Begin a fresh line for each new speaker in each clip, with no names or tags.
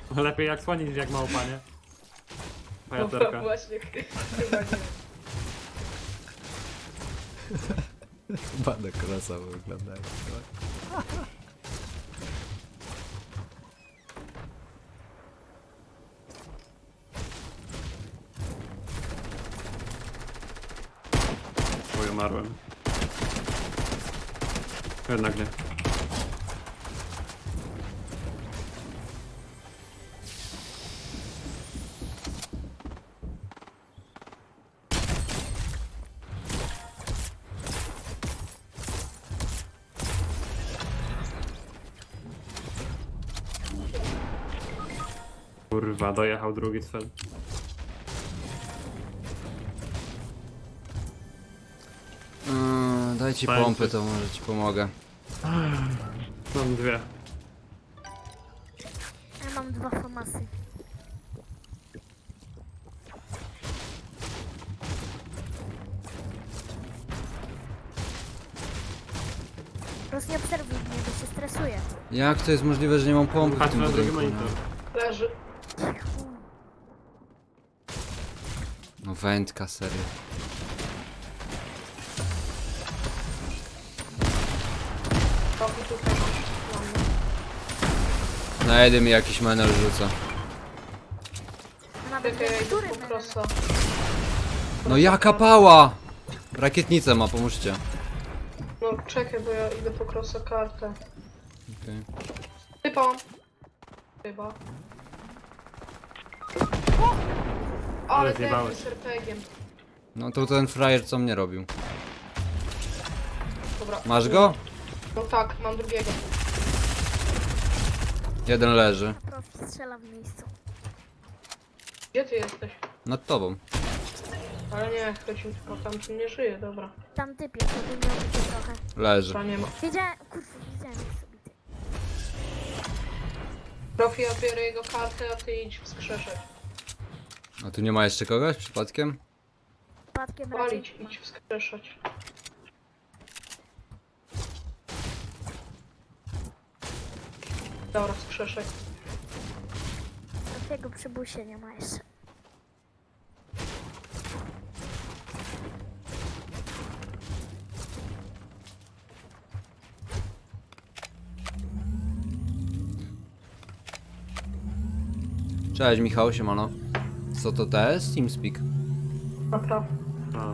Lepiej jak słonić niż jak małpa, nie?
Dobra,
Pajacerka.
właśnie, chyba nie.
Chyba na krosa wyglądają.
Oj, umarłem. Jednak nie. Kurwa, dojechał drugi cel.
Daj ci
Fajnie.
pompy, to może ci pomogę.
Mam dwie.
Ja mam 2 famasy. Po prostu nie obserwuj mnie, bo się stresuję.
Jak to jest możliwe, że nie mam pompy w
Patrz
tym
na drugi
budynku?
monitor.
Leży.
No wędka, serio.
Robi tutaj masz.
Znajdę mi jakiś menel rzuca.
A nawet
Czekaj, ja
który
idę po
menel?
krosa.
No jaka pała! Rakietnicę ma, pomóżcie.
No czekaj, bo ja idę po krosa kartę.
Okay.
Typa mam. Chyba. Ale ten
zjebałeś.
z RPG-iem.
No to ten frajer co mnie robił.
Dobra.
Masz go?
No tak, mam drugiego.
Jeden leży.
Profi strzela w miejscu.
Gdzie ty jesteś?
Nad tobą.
Ale nie, ktoś mi tylko tam tu nie żyje, dobra.
Tam typie sobie miał być trochę.
Leży.
To nie ma.
Wiedziałem, kurwa, widziałem jak sobie ty.
Profi, ja biorę jego kartę, a ty idź wskrzeszać.
A tu nie ma jeszcze kogoś przypadkiem?
Przypadkiem raczej.
Palić, idź wskrzeszać. Dobra, wskrzeszaj.
Takiego przybusie nie ma jeszcze.
Cześć Michał, siemano. Co to jest? TeamSpeak.
Naprawdę.
A.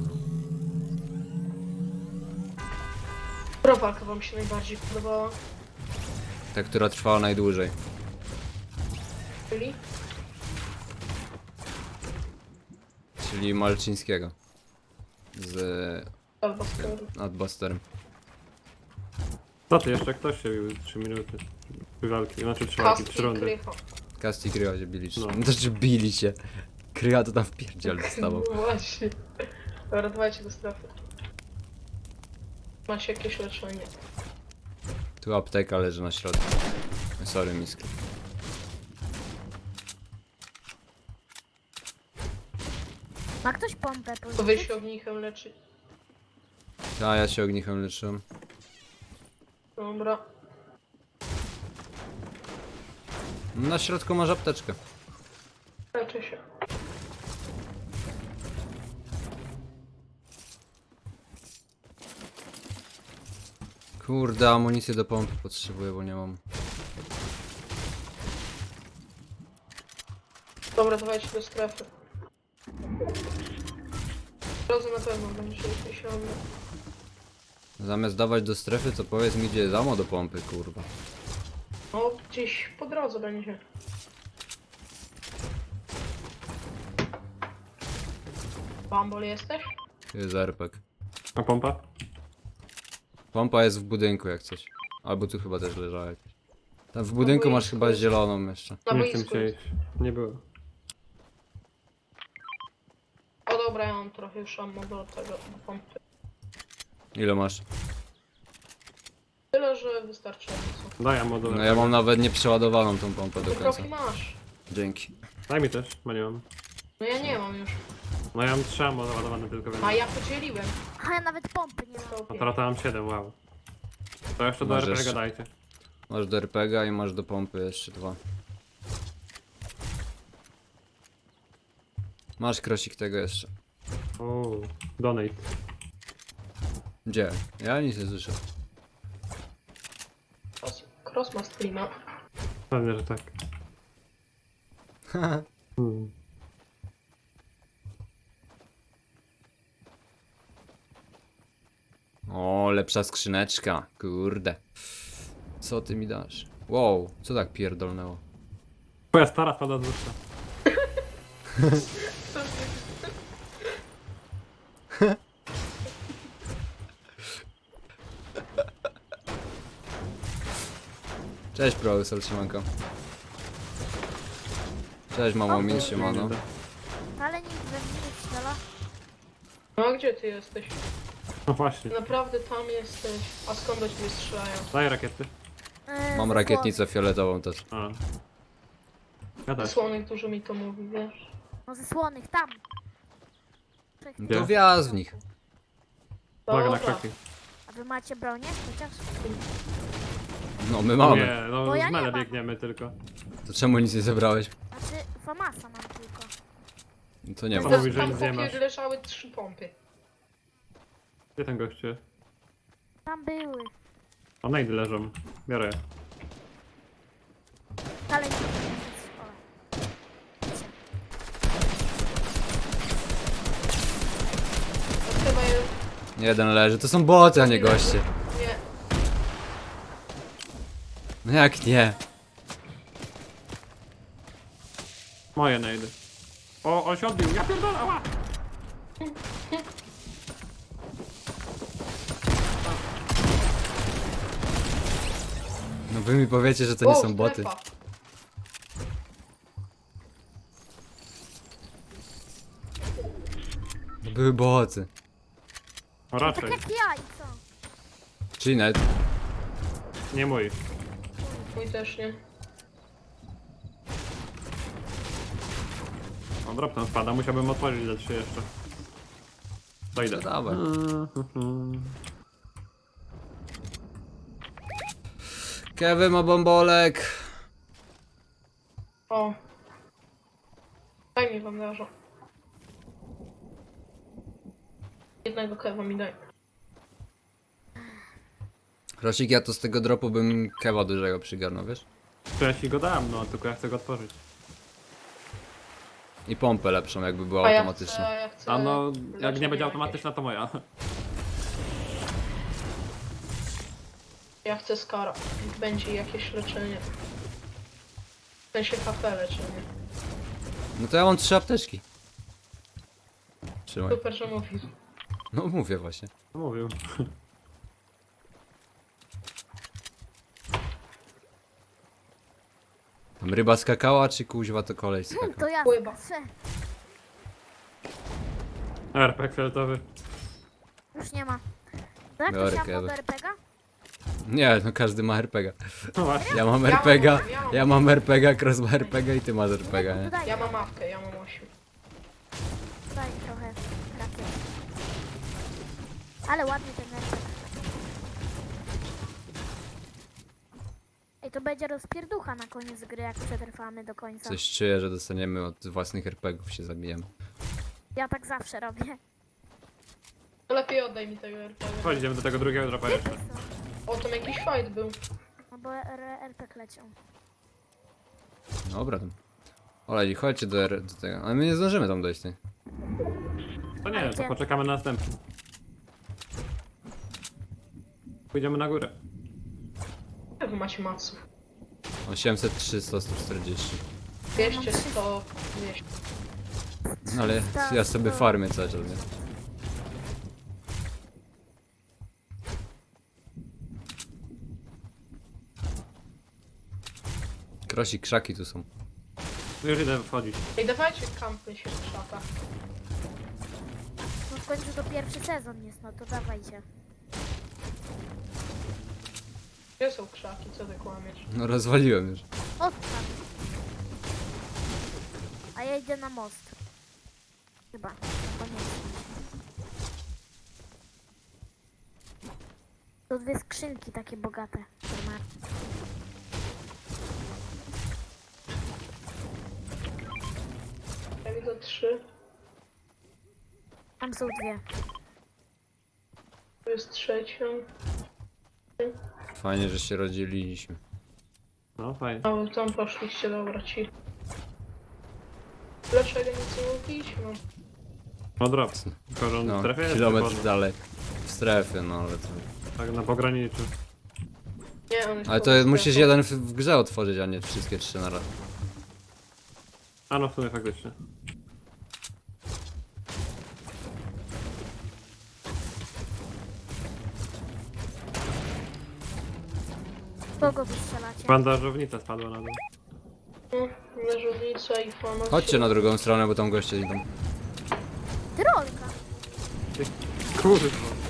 Która walka wam się najbardziej podobała?
Ta, która trwała najdłużej.
Czyli?
Czyli Malczyńskiego. Z
Albo skoro.
Adbusterem.
Co ty, jeszcze ktoś się bił 3 minuty. 3 walki, znaczy 3 walki, 3
Kaski
rundy.
krycho.
Kasti Kryła się bili.
No.
No. Znaczy bili się. Kryła to tam w pierdziel dostawał.
No właśnie. Dobra, dawajcie do strefy. Macie jakieś leczenie.
Tu apteka leży na środku. Sorry, miska.
Ma ktoś pompę
To
pożyczyć?
wy się ognichem leczyć.
A ja się ognichem leczyłem.
Dobra.
Na środku masz apteczkę.
Leczę się.
Kurde, amunicję do pompy potrzebuję, bo nie mam.
Dobra, dawajcie do strefy. Drodze na pewno będzie jakieś ammo.
Zamiast dawać do strefy, to powiedz mi, gdzie jest ammo do pompy, kurwa.
No, gdzieś po drodze będzie. Bambol jesteś?
Tu jest RPG.
A pompa?
Pompa jest w budynku jak coś. Albo tu chyba też leżała jakaś. Tam w budynku masz chyba zieloną jeszcze.
Na
Nie chcę
boisku
się
jest.
iść. Nie było.
O dobra, ja mam trochę już ammo do tego, do pompy.
Ile masz?
Tyle, że wystarczająco.
Daj ammo do
No ja mam nawet nieprzeładowaną tą pompę do
To
końca.
profi masz.
Dzięki.
Daj mi też, bo nie mam.
No ja nie mam już.
No ja mam 3 ammo załadowane tylko wiem.
A ja podzieliłem.
A ja nawet pompy nie mam.
A teraz to mam 7, wow. To jeszcze do
Masz
RPG
jeszcze.
dajcie.
Masz do RPG i masz do pompy jeszcze 2. Masz krosik tego jeszcze.
O, donate.
Gdzie? Ja nic nie słyszę.
Cross ma streama.
Pewnie, że tak. Hmm.
O, lepsza skrzyneczka. Kurde. Co ty mi dasz? Wow, co tak pierdolnęło?
Twoja stara spada z wyższa.
Cześć, profesor, siemanko. Cześć, mamo, min, siemano.
Ale nikt we mnie nie strzela.
No a gdzie ty jesteś?
No właśnie.
Naprawdę tam jesteś. A skąd do ciebie strzelają?
Daj rakiety.
Mam
ze
rakietnicę fioletową też.
A. Ja też.
Słonek dużo mi to mówi, wiesz?
słonych. No ze słonych, tam. Trzech
Gdzie?
To wjazd w nich.
Uwaga na
Dobra.
kraki.
A wy macie bronię? Chociaż?
No, my mamy.
Nie, no
Bo ja
z
nie
mele
mam.
biegniemy tylko.
To czemu nic nie zebrałeś?
Znaczy, Famasa mam tylko.
To nie
Co
ma.
mówisz, że
Tam
nic nie
popie
masz?
leżały 3 pompy.
Gdzie ten gościu?
Tam były.
O, najdy leżą. Biorę je.
Ale nikt nie strzela.
To chyba jest...
Jeden leży. To są boty, a nie goście.
Nie.
No jak nie?
Moje najdy. O, on się odbił. Ja pierdolę, ała!
No wy mi powiecie, że to nie
O,
są boty.
strefa.
To były boty.
O,
Tak
raczej.
jak ja i co?
Czyli nawet...
Nie mój.
Mój też nie.
O, drop tam spada. Musiałbym otworzyć za 3 jeszcze. To idę.
To dawaj. Kevin ma bombolek.
O. Daj mi bandaża. Jednego kewa mi daj.
Rosik, ja to z tego dropu bym kewa dużego przygarnął, wiesz?
To ja ci go dam, no tylko ja chcę go otworzyć.
I pompę lepszą, jakby była
A ja
automatyczna.
chcę, ja chcę
A no, jak
leczenie
nie będzie
jakieś.
automatyczna, to moja.
Ja chcę skara. Będzie jakieś leczenie. W sensie HP leczenie.
No to ja mam 3 apteczki. Trzymaj.
Super, że mówisz.
No mówię właśnie.
Mówił.
Tam ryba skakała, czy kuźwa to kolej skakał?
To ja
Pływa.
skaczę.
RPG fioletowy.
Już nie ma. To jak
Biorę
to się
kewy.
do RPG?
Nie, no każdy ma RPGa.
No właśnie.
Ja mam
Ja mam-
RPGa,
ja mam-
ja mam RPGa, Cross ma RPGa i ty masz RPGa, nie?
Daj,
Ja mam mapkę, ja mam 8.
daj trochę rakiet. Ale ładnie ten RPG. Ej, to będzie rozpierducha na koniec gry, jak przetrwamy do końca.
Coś czuję, że dostaniemy od własnych RPGów, się zabijemy.
Ja tak zawsze robię.
To lepiej oddaj mi tego RPG.
Chodź, idziemy do tego drugiego dropa jeszcze.
O, tam jakiś fight był.
No bo RPG leciał.
Dobra, tam. Olej, chodźcie do tego. Ale my nie zdążymy tam dojść, ty.
To nie, to poczekamy na następny. Pójdziemy na górę.
Jak wy macie maców?
800, 300, 140.
200, 100, 200.
No ale ja sobie farmię cały czas, nie? Krosik, krzaki tu są.
Już idę wchodzić.
Ej, dawajcie kampy się w krzakach.
No w końcu to pierwszy sezon jest, no to dawajcie.
Gdzie są krzaki? Co ty kłamiesz?
No rozwaliłem już.
Odpad. A ja idę na most. Chyba. Koniecznie. To 2 skrzynki takie bogate. które ma.
Ja widzę 3.
Tam są dwie.
Tu jest trzecią.
Fajnie, że się rozdzieliliśmy.
No fajnie.
A wy tam poszliście, dobra ci. Dlaczego nic nie mówiliśmy?
No drop. Tylko, że on
No,
w strefie jest
kilometr
wyborny.
dalej. W strefie, no ale to...
Tak na pograniczu.
Nie, on jest
Ale to
poza
musisz
strefą.
jeden w grze otworzyć, a nie wszystkie trzy na raz.
A no w sumie faktycznie.
Kogo wy strzelacie?
Bandażownica spadła na dół.
No, leżownica i fama.
Chodźcie na drugą stronę, bo tam goście idą.
Trolka.
Kurwa.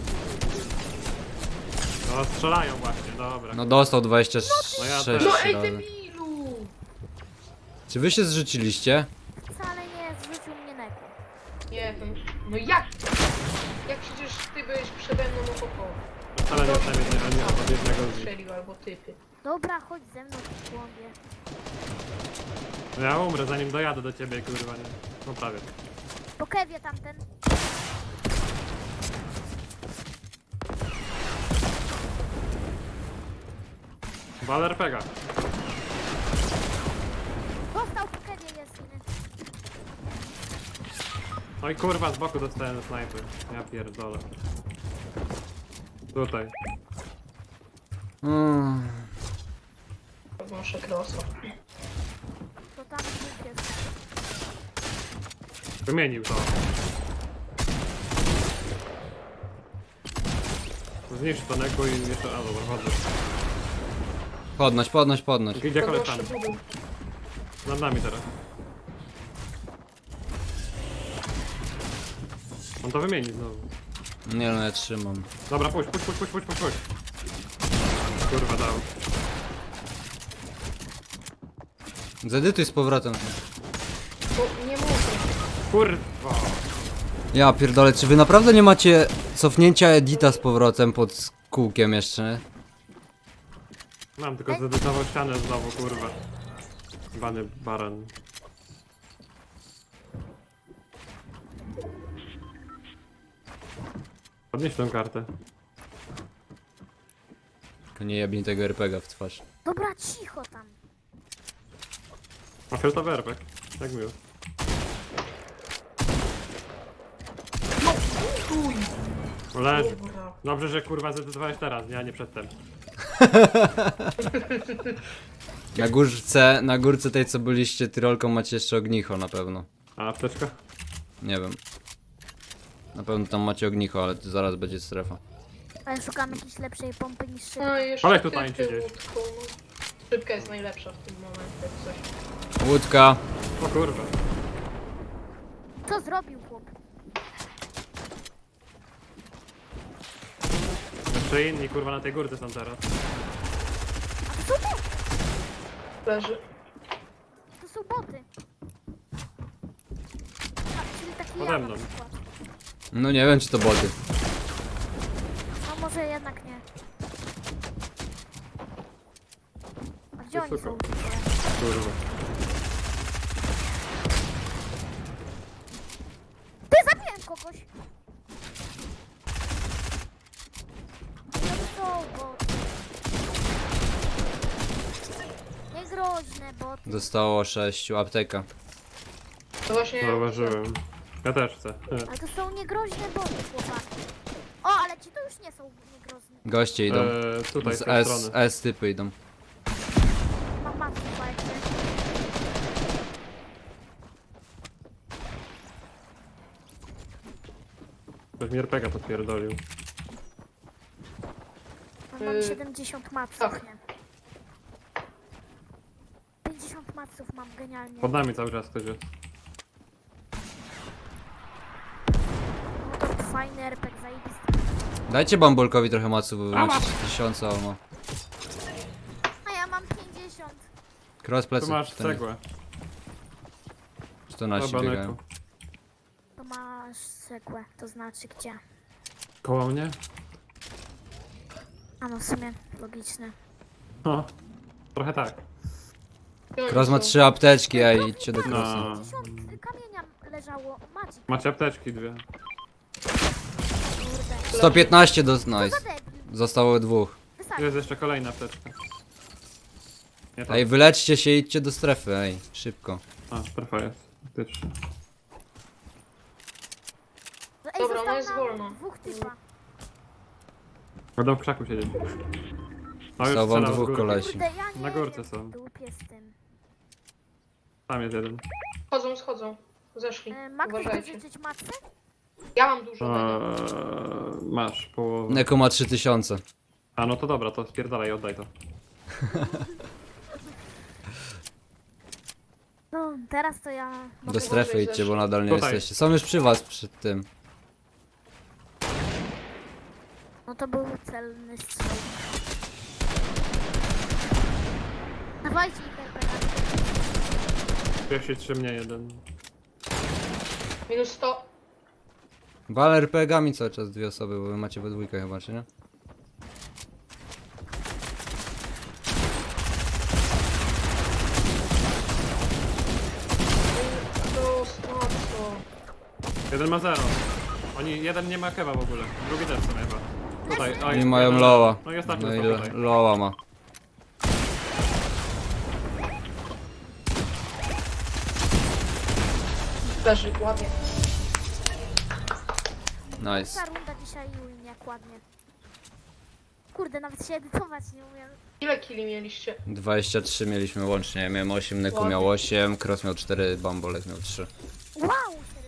No strzelają właśnie, dobra.
No dostał 26
No ja też.
No ej,
razy.
debilu!
Czy wy się zrzuciliście?
Wcale nie zrzucił mnie neko.
Nie wiem. No jak? Jak przecież ty byłeś przede mną oko.
Ale nie tam nie od jednego z nich.
Strzelił albo typy.
Dobra, chodź ze mną w głąbie.
No ja umrę zanim dojadę do ciebie, kurwa, nie? No prawie.
Po kewie tamten.
Baler pega.
Dostał po kewie jest inny.
No i kurwa z boku dostałem snajper. Ja pierdolę. Tutaj.
Wąszę krosa.
To tam dwóch jest.
Wymienił to. Zniszcz to neku i jeszcze... A dobra, chodzę.
Podnoś, podnoś, podnoś.
Idzie koleś tam.
Podnoszę budę.
Nad nami teraz. On to wymieni znowu.
Nie no, ja trzymam.
Dobra, puść. Kurwa dał.
Zedytuj z powrotem.
Bo nie mogę.
Kurwa.
Ja pierdolę, czy wy naprawdę nie macie cofnięcia edita z powrotem pod kółkiem jeszcze?
Mam tylko zedytował ścianę znowu, kurwa. Bany baran. Podnieś tą kartę.
Tylko nie jebnij tego RPG w twarz.
Dobra, cicho tam.
A fioletowy RPG. Jak miło.
Uj!
Leży.
Dobra.
Dobrze, że kurwa zedytowałeś teraz, nie, a nie przedtem.
Na górce tej co byliście tyrolką macie jeszcze ognicho na pewno.
A apteczka?
Nie wiem. Na pewno tam macie ognicho, ale to zaraz będzie strefa.
Ale szukam jakiejś lepszej pompy niż szybka.
No i jeszcze
Ale tu tańczy
typy
gdzieś.
łódką, no. Szybka jest najlepsza w tym momencie, jak coś.
Łódka.
O kurwa.
Co zrobił chłop?
Jeszcze inni kurwa na tej górce są teraz.
A to są boty!
Leży.
To są boty. A, czyli taki
Pode
ja
mną.
na przykład.
No nie wiem czy to boty.
No może jednak nie. A gdzie oni są?
Kurwa.
Ty, zabiłem kogoś! To są boty. Niegroźne boty.
Zostało 6, apteka.
To właśnie...
Zauważyłem. Ja też chcę.
Ale to są niegroźne boty, chłopaki. O, ale ci to już nie są niegroźne.
Goście idą.
Tutaj, z
Z
tej
S,
strony.
S typy idą.
Mam matkę, fajnie.
Ktoś mi RPG podpierdolił.
Mam 70 maców,
tak.
nie? 50 maców mam genialnie.
Pod nami cały czas ktoś jest.
No to fajny RPG, zajebisty.
Dajcie bambulkowi trochę macu, bo wy macie 1000 almo.
A ja mam 50.
Cross plecy.
Tu masz
to nie-
cegłę.
Czy to nasi
Dobra,
biegają?
Neku.
To masz cegłę, to znaczy gdzie?
Koło mnie?
A no w sumie logiczne.
No. Trochę tak.
Cross ma 3 apteczki, a idźcie do
No.
Crossa.
50 kamienia leżało, Magic.
Macie apteczki dwie.
115 do...
Co za
Nice.
debil.
Zostało dwóch.
Wysadzi.
Jest jeszcze kolejna apteczka. Nie tam.
Ej, wyleczcie się i idźcie do strefy, ej. Szybko.
A, strefa jest. Faktycznie.
Ej,
Dobra,
zostało
ona jest
nam
wolna.
dwóch typa.
Będą w krzaku siedzieć. No już
Zostało wam
strzela z
dwóch
górki.
kolesi.
Kurde, ja nie
Na górce
wiem,
są.
dupie z tym.
Tam jest jeden.
Schodzą. Zeszli.
Ma ktoś
Uważajcie.
dożyczyć matce?
Ja mam dużo tego.
Masz połowę.
Neko ma 3000.
A no to dobra, to spierdalaj, oddaj to.
No, teraz to ja...
Do
mogę-
strefy
Może
idźcie, bo
zeszli.
nadal nie
Tutaj.
jesteście. Są już przy was, przy tym.
No to był celny strzał. Dawajcie interpretację.
Pierwszy trzy mnie jeden.
Minus 100.
Wal RPG-ami cały czas dwie osoby, bo wy macie we dwójkę chyba, czy nie?
To słabo.
Jeden ma 0. Jeden nie ma kewa w ogóle. Drugi też co chyba. Tutaj. O,
Oni
jest
mają
jeden.
loa.
No i ostatni
No i
został tutaj.
loa ma.
Leży, ładnie.
Nice.
Ta runda dzisiaj jak ładnie. Kurde, nawet się edytować nie umiem.
Ile kili mieliście?
23 mieliśmy łącznie. Ja miałem 8, Neku miał 8, Cross miał 4, Bambolek miał 3.
Wow!